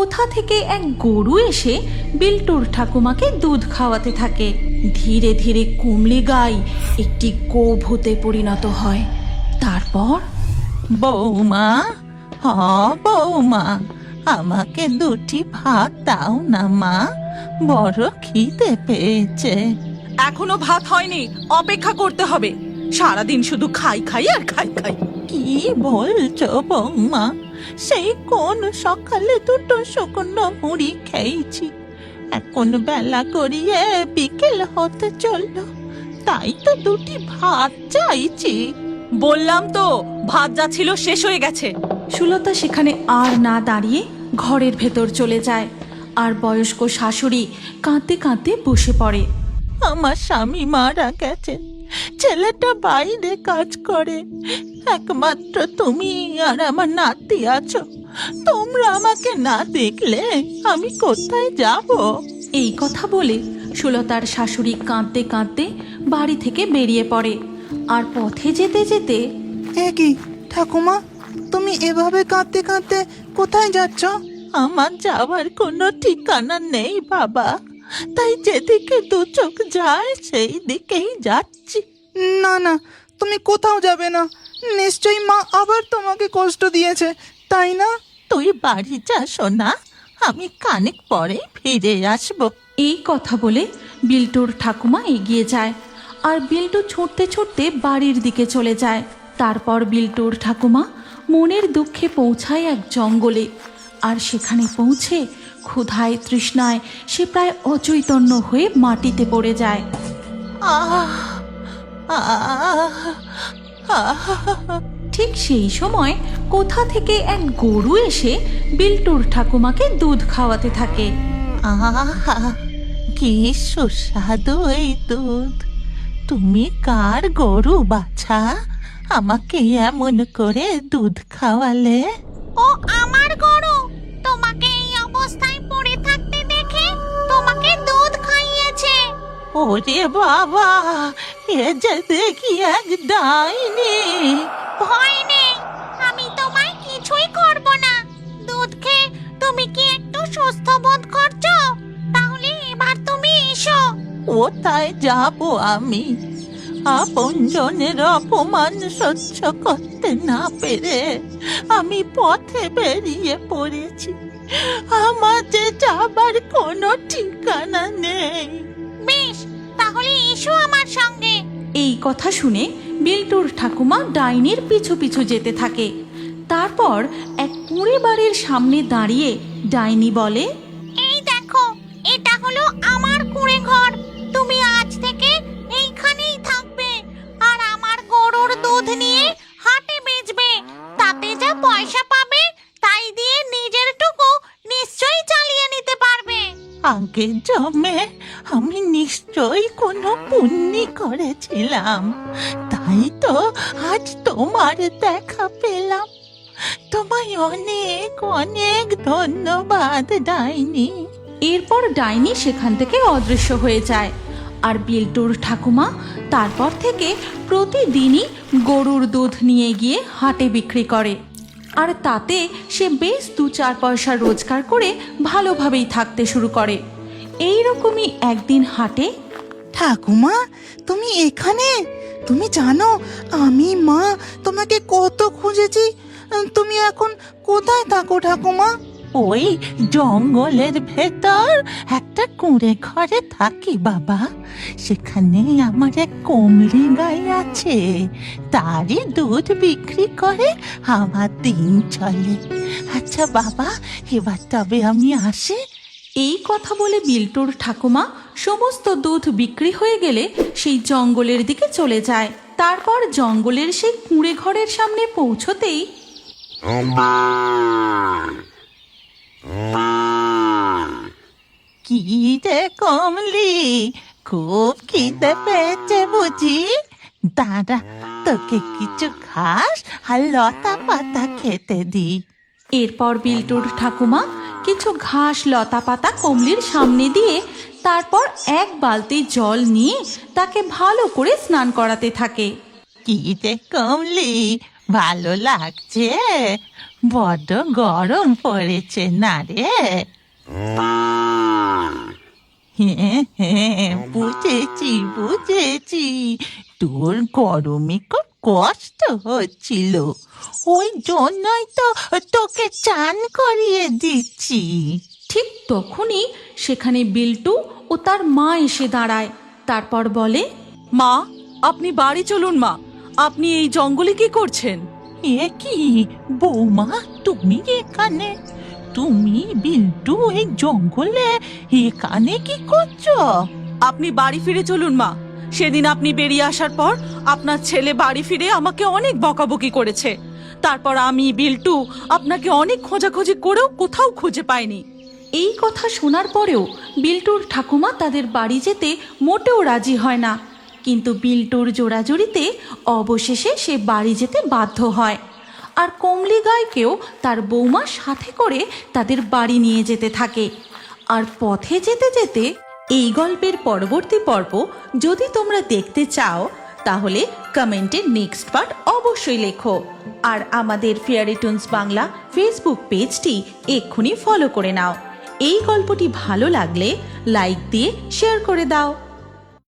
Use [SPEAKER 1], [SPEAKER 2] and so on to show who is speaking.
[SPEAKER 1] কোথা থেকে এক গরু এসে বিল্টুর ঠাকুমাকে দুধ খাওয়াতে থাকে। ধীরে ধীরে কুমলি গাই একটি গোভূতে পরিণত হয়। তারপর
[SPEAKER 2] বৌমা, হ বৌমা, আমাকে দুটি ভাত দাও না মা, বড় খিদে পেয়েছে।
[SPEAKER 3] এখনো ভাত হয়নি, অপেক্ষা করতে হবে। সারাদিন শুধু খাই খাই আর খাই খাই।
[SPEAKER 2] কি বলছো বৌমা? সেই কোন সকালে দুটো শুকনো মুড়ি খেয়েছি, এখন বেলা গড়িয়ে বিকেল হতে চললো, তাই তো দুটি ভাত চাইছি।
[SPEAKER 3] বললাম তো ভাত যা ছিল শেষ হয়ে গেছে।
[SPEAKER 1] সুলতা সেখানে আর না দাঁড়িয়ে ঘরের ভেতর চলে যায়, আর বয়স্ক শাশুড়ি কাঁদতে কাঁদতে বসে পড়ে।
[SPEAKER 2] আমার স্বামী মারা গেছেন, ছেলেটা বাইরে কাজ করে, একমাত্র তুমি আর আমার নাতি আছো। তোমরা আমাকে না দেখলে আমি কোথায় যাব?
[SPEAKER 1] এই কথা বলে সুলতার শাশুড়ি কাঁদতে কাঁদতে বাড়ি থেকে বেরিয়ে পড়ে। আর পথে যেতে যেতে
[SPEAKER 4] এ কি ঠাকুমা, তুমি এভাবে কাঁদতে কাঁদতে কোথায় যাচ্ছ?
[SPEAKER 2] আমার যাওয়ার কোনো ঠিকানা নেই বাবা, তাই যেদিকে দু চোখ যায় সেই দিকেই যাচ্ছি।
[SPEAKER 4] না না, তুমি কোথাও যাবে না, নিশ্চয়ই মা আবার তোমাকে কষ্ট দিয়েছে, তাই না?
[SPEAKER 2] তুই বাড়ি যা সোনা, আমি খানিক পরে ফিরে আসবো।
[SPEAKER 1] এই কথা বলে বিল্টুর ঠাকুমা এগিয়ে যায়, আর বিল্টু ছুটতে ছুটতে বাড়ির দিকে চলে যায়। তারপর বিল্টুর ঠাকুমা মনের দুঃখে পৌঁছায় এক জঙ্গলে, আর সেখানে পৌঁছে ক্ষুধায় তৃষ্ণায় সে প্রায় অচৈতন্য হয়ে মাটিতে পড়ে যায়।
[SPEAKER 2] আহ আহ আহ
[SPEAKER 1] ঠিক সেই সময় কোথা থেকে এক গরু এসে বিল্টুর ঠাকুমাকে দুধ খাওয়াতে থাকে।
[SPEAKER 2] আহা, কি সুস্বাদু এই দুধ! তুমি কার গরু বাছা? আমাকে এমন করে দুধ খাওয়ালে?
[SPEAKER 5] ও আমার গরু, তোমাকে এই অবস্থায় পড়ে থাকতে দেখে তোমাকে দুধ খাইয়েছে।
[SPEAKER 2] ওরে বাবা, এ যে দেখি এক ডাইনি!
[SPEAKER 5] ভয় নেই, আমি তোমায় কিছুই করব না। দুধ খেয়ে তুমি কি একটু সুস্থ বোধ করছো? তাহলে এবার তুমি এসো।
[SPEAKER 2] কোথায় যাব আমি? আপনজনের অপমান সহ্য করতে না পেরে আমি পথে বেরিয়ে পড়েছি। আমার যে যাবার কোনো ঠিকানা নেই।
[SPEAKER 5] বেশ, তাহলে এসো আমার সঙ্গে।
[SPEAKER 1] এই কথা শুনে বিল্টুর ঠাকুমা ডাইনির পিছু পিছু যেতে থাকে। তারপর এক কুঁড়ে বাড়ির সামনে দাঁড়িয়ে ডাইনি বলে,
[SPEAKER 5] এই দেখো, এটা হলো আমার কুঁড়ে ঘর। তুমি আজ থেকে এইখানেই থাকবে, আর আমার গরুর দুধ নিয়ে হাটে বেচবে। তাতে যা পয়সা পাবে তাই দিয়ে নিজের টুকু নিশ্চয়ই চালিয়ে নিতে পারবে।
[SPEAKER 2] আগে জমে আমি নিশ্চয়ই কোনো পুণ্যি করেছিলাম, তাই তো আজ তোমার দেখা পেলাম। তোমায় অনেক অনেক ধন্যবাদ ডাইনি।
[SPEAKER 1] এরপর ডাইনি সেখান থেকে অদৃশ্য হয়ে যায়। আর বিল্টুর ঠাকুমা তারপর থেকে প্রতিদিনই গরুর দুধ নিয়ে গিয়ে হাটে বিক্রি করে, আর তাতে সে বেশ 2-4 পয়সা রোজগার করে ভালোভাবেই থাকতে শুরু করে। এই রকমই একদিন হাটে
[SPEAKER 4] ঠাকুমা, তুমি এখানে? তুমি জানো আমি মা তোমাকে কত খুঁজেছি, তুমি এখন কোথায় থাকো ঠাকুমা?
[SPEAKER 2] ওই জঙ্গলের ভেতর একটা কুঁড়ে ঘরে থাকি বাবা। সেখানে আমার এক কমলি গাই আছে, তারই দুধ বিক্রি করে আমার দিন চলে। আচ্ছা বাবা, এবার তবে আমি আসি।
[SPEAKER 1] এই কথা বলে বিল্টুর ঠাকুমা সমস্ত দুধ বিক্রি হয়ে গেলে সেই জঙ্গলের দিকে চলে যায়। তারপর জঙ্গলের সেই কুঁড়ে ঘরের সামনে পৌঁছতেই
[SPEAKER 2] কি রে কমলি, খুব খিদে পেয়েছে বুঝি? দাঁড়া, তোকে কিছু ঘাস আর লতা পাতা খেতে দি।
[SPEAKER 1] এরপর বিল্টুর ঠাকুমা কিছু ঘাস লতা পাতা কমলির সামনে দিয়ে তারপর এক বালতি জল নিয়ে তাকে ভালো করে স্নান করাতে থাকে।
[SPEAKER 2] কি রে কমলি, ভালো লাগছে? বড্ড গরম পড়েছে না রে? হ্যাঁ, বুঝেছি তোর গরমে খুব কষ্ট হচ্ছিল, ওই জন্যই তো তোকে চান করিয়ে দিচ্ছি।
[SPEAKER 1] ঠিক তখনই সেখানে বিল্টু ও তার মা এসে দাঁড়ায়। তারপর বলে,
[SPEAKER 3] মা, আপনি বাড়ি চলুন মা। আপনি এই জঙ্গলে কি করছেন?
[SPEAKER 2] এ কি বৌমা, তুমি এখানে? তুমি বিল্টু এই জঙ্গলে এখানে কি করছো?
[SPEAKER 3] আপনি বাড়ি ফিরে চলুন মা। সেদিন আপনি বেরিয়ে আসার পর আপনার ছেলে বাড়ি ফিরে আমাকে অনেক বকাবকি করেছে। তারপর আমি বিল্টু আপনাকে অনেক খোঁজাখুঁজি করেও কোথাও খুঁজে পাইনি।
[SPEAKER 1] এই কথা শোনার পরেও বিল্টুর ঠাকুমা তাদের বাড়ি যেতে মোটেও রাজি হয় না। কিন্তু বিল্টুর জোড়াজুড়িতে অবশেষে সে বাড়ি যেতে বাধ্য হয়। আর কমলি গাইকেও তার বৌমা সাথে করে তাদের বাড়ি নিয়ে যেতে থাকে। আর পথে যেতে যেতে এই গল্পের পরবর্তী পর্ব যদি তোমরা দেখতে চাও তাহলে কমেন্টে নেক্সট পার্ট অবশ্যই লেখো। আর আমাদের ফেয়ারি টুনস বাংলা ফেসবুক পেজটি এক্ষুনি ফলো করে নাও। এই গল্পটি ভালো লাগলে লাইক দিয়ে শেয়ার করে দাও।